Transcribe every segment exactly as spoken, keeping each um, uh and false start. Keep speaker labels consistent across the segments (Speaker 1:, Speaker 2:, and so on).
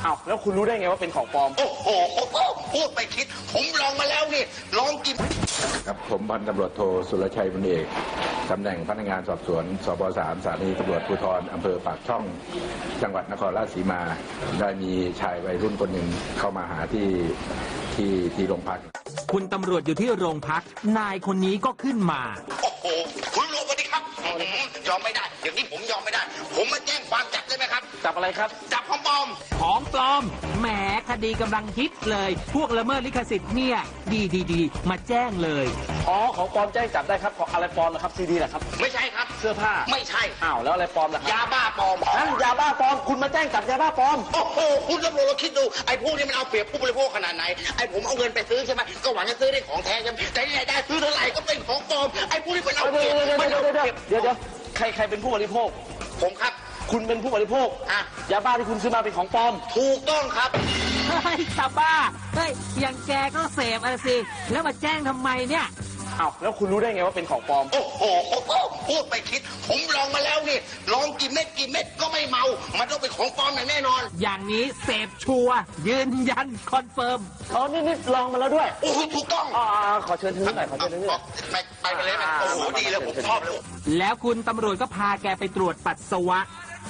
Speaker 1: อ้าวแล้วคุณรู้ได้ไงว่าเป็นของปลอม
Speaker 2: โอ้โหพูดไปคิดผมลองมาแล้วนี่ลองกิน
Speaker 3: ครับผมพันตำรวจโทสุรชัยบุญเอกตำแหน่งพนักงานสอบสวนสบสามสถานีตำรวจภูธรอำเภอปากช่องจังหวัดนครราชสีมาได้มีชายวัยรุ่นคนหนึ่งเข้ามาหาที่ที่ที่โรงพัก
Speaker 4: คุณตำรวจอยู่ที่โรงพักนายคนนี้ก็ขึ้นมา
Speaker 2: โอ้โหคุณรู้ปะดิครับยอมไม่ได้อย่างนี้ผมยอมไม่ได้ผมมาแจ้งความจับได้ไหมครับ
Speaker 1: จับอะไรครับ
Speaker 2: จับของปลอม
Speaker 4: ของปลอมแหมคดีกำลังฮิตเลยพวกละเมิดลิขสิทธิ์เนี่ยดีดีดีมาแจ้งเลย
Speaker 1: อ๋อของปลอมแจ้งจับได้ครับของอะไรปลอมนะครับซีดีเหรอครับ
Speaker 2: ไม่ใช่ครับ
Speaker 1: เสื้อผ้า
Speaker 2: ไม่ใช่
Speaker 1: อ้าวแล้วอะไรปลอมล่ะ
Speaker 2: ยาบ้าปลอม
Speaker 1: นั่นยาบ้าปลอมคุณมาแจ้งจับยาบ้าปลอม
Speaker 2: โอ้โหคุณตำรวจเราคิดดูไอ้พวกนี้มันเอาเปรียบผู้บริโภคขนาดไหนไอ้ผมเอาเงินไปซื้อใช่ไหมก็หวังจะซื้อได้ของแท้ใช่ไหมแต่ที่ไหนได้ซื้อเท่าไหร่ก็เป็นของปลอมไอ้พวกนี้มันเอาเปรียบ
Speaker 1: เดี๋ยวเดี๋ยวเดี๋ยวเดี๋ยวเดี๋ยวใครใครเป็นผู้บริโภค
Speaker 2: ผมครับ
Speaker 1: คุณเป็นผู้บริโภค
Speaker 2: อ่ะ
Speaker 1: ยาบ้าที่คุณซื้อมาเป็นของปลอม
Speaker 2: ถูกต้องครับ
Speaker 4: เฮ้ยชาวบ้าเฮ้ยอย่างแกก็เสพอะไรสิแล้วมาแจ้งทำไมเนี่ย
Speaker 1: อ้าวแล้วคุณรู้ได้ไงว่าเป็นของปลอม
Speaker 2: โอ้โหพูดไปคิดผมลองมาแล้วนี่ลองกี่เม็ดกี่เม็ดก็ไม่เมามันต้องเป็นของปลอมอย่างแน่นอน
Speaker 4: อย่างนี้เสพชัวร์ยืนยันคอนเฟิร์ม
Speaker 1: อ๋อนี่นี่ลองมาแล้วด้วย
Speaker 2: โอ้ถูกต้อง
Speaker 1: อ๋อขอเชิญถึงหน่อยขอเชิญถึงหน่อย
Speaker 2: ไปไปไปเลยโอ้โหดีเลยผมชอบเลย
Speaker 4: แล้วคุณตำรวจก็พาแกไปตรวจปัสสาวะ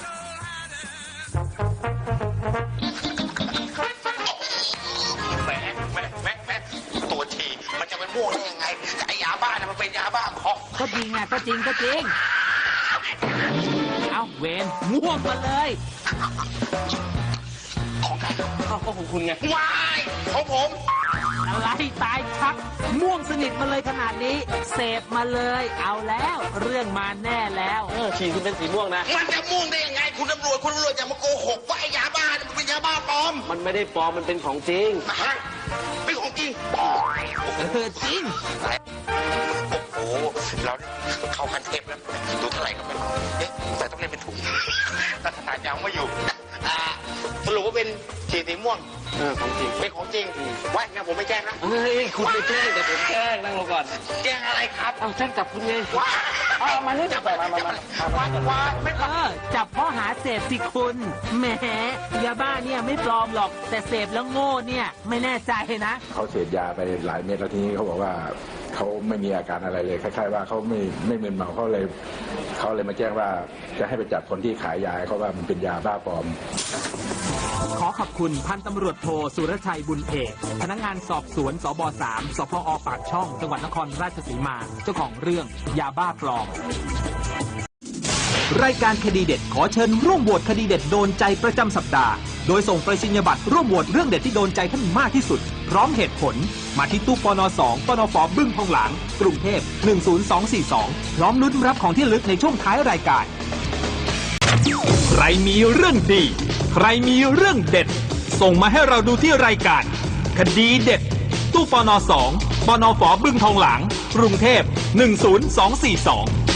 Speaker 2: แหมแหมแหมแหมตัวทีมันจะเป็นม่วงได้ยังไงไอ้ยาบ้านะมันเป็นยาบ้าของ
Speaker 4: ก็จริงอ่ะก็จริงก็จริงเอาเวนม่วงมาเลย
Speaker 2: ของใคร
Speaker 1: อ้าวก็ของคุณไง
Speaker 2: วายของผม
Speaker 4: อะไรตายชักม่วงสนิทมาเลยขนาดนี้เสพมาเลยเอาแล้วเรื่องมาแน่แล้ว
Speaker 1: เออฉี่คุณเป็นสีม่วงนะ
Speaker 2: มันจะม่วงได้ยังไงคุณตำรวจคุณตำรวจอย่ามาโกหกว่าไอ้ยาบ้ามันเป็นยาบ้าปลอม
Speaker 1: มันไม่ได้ปลอมมันเป็นของจริง
Speaker 2: เป็นของจริง
Speaker 4: เออจริง
Speaker 2: โอ้โหเราเข้าคันเทปแล้วดูเท่าไหร่ก็ไม่รู้เอ๊ะแต่ต้องเล่นเป็นถุงแต่ขนาดยาวไม่อยู่สรุปว่าเป็นฉี่สีม่วง
Speaker 1: เออของจริง
Speaker 2: เป็นของจริงว่างั้นผมไม่แจ้งนะ
Speaker 1: เฮ้ยคุณไม่แจ้งแต่ผมแจ้งนั่งลงก่อน
Speaker 2: แจ้งอะไรครับ
Speaker 1: เอาแจ้งจับคุณไง
Speaker 2: ว้า
Speaker 1: เอามานี่จับไปมามา
Speaker 2: ว้าว้าไม่
Speaker 4: เออจับข้อหาเสพสิคุณแหมยาบ้าเนี่ยไม่ปลอมหรอกแต่เสพแล้วโง่เนี่ยไม่แน่ใจนะ
Speaker 3: เขาเสพยาไปหลายเม็ดแล้วทีนี้เขาบอกว่าเขาไม่มีอาการอะไรเลยคล้ายๆว่าเขาไม่ไม่มึนเมาเขาเลยเขาเลยมาแจ้งว่าจะให้ไปจับคนที่ขายยาเขาว่ามันเป็นยาบ้าปลอม
Speaker 4: ขอขอบคุณพันตำรวจโทสุรชัยบุญเอกพนักงานสอบสวนสบสามสพอปากช่องจังหวัดนครราชสีมาเจ้าของเรื่องยาบ้าปลอมรายการคดีเด็ดขอเชิญร่วมโหวตคดีเด็ดโดนใจประจำสัปดาห์โดยส่งไปรษณียบัตรร่วมโหวตเรื่องเด็ดที่โดนใจท่านมากที่สุดพร้อมเหตุผลมาที่ตู้ปนสองปนฟบึ้งทองหลางกรุงเทพหนึ่งศูนย์สองสี่สองพร้อมลุ้นรับของที่ระลึกในช่วงท้ายรายการใครมีเรื่องดีใครมีเรื่องเด็ดส่งมาให้เราดูที่รายการคดีเด็ดตู้ปนสองปนฟบึ้งทองหลางกรุงเทพหนึ่งศูนย์สองสี่สอง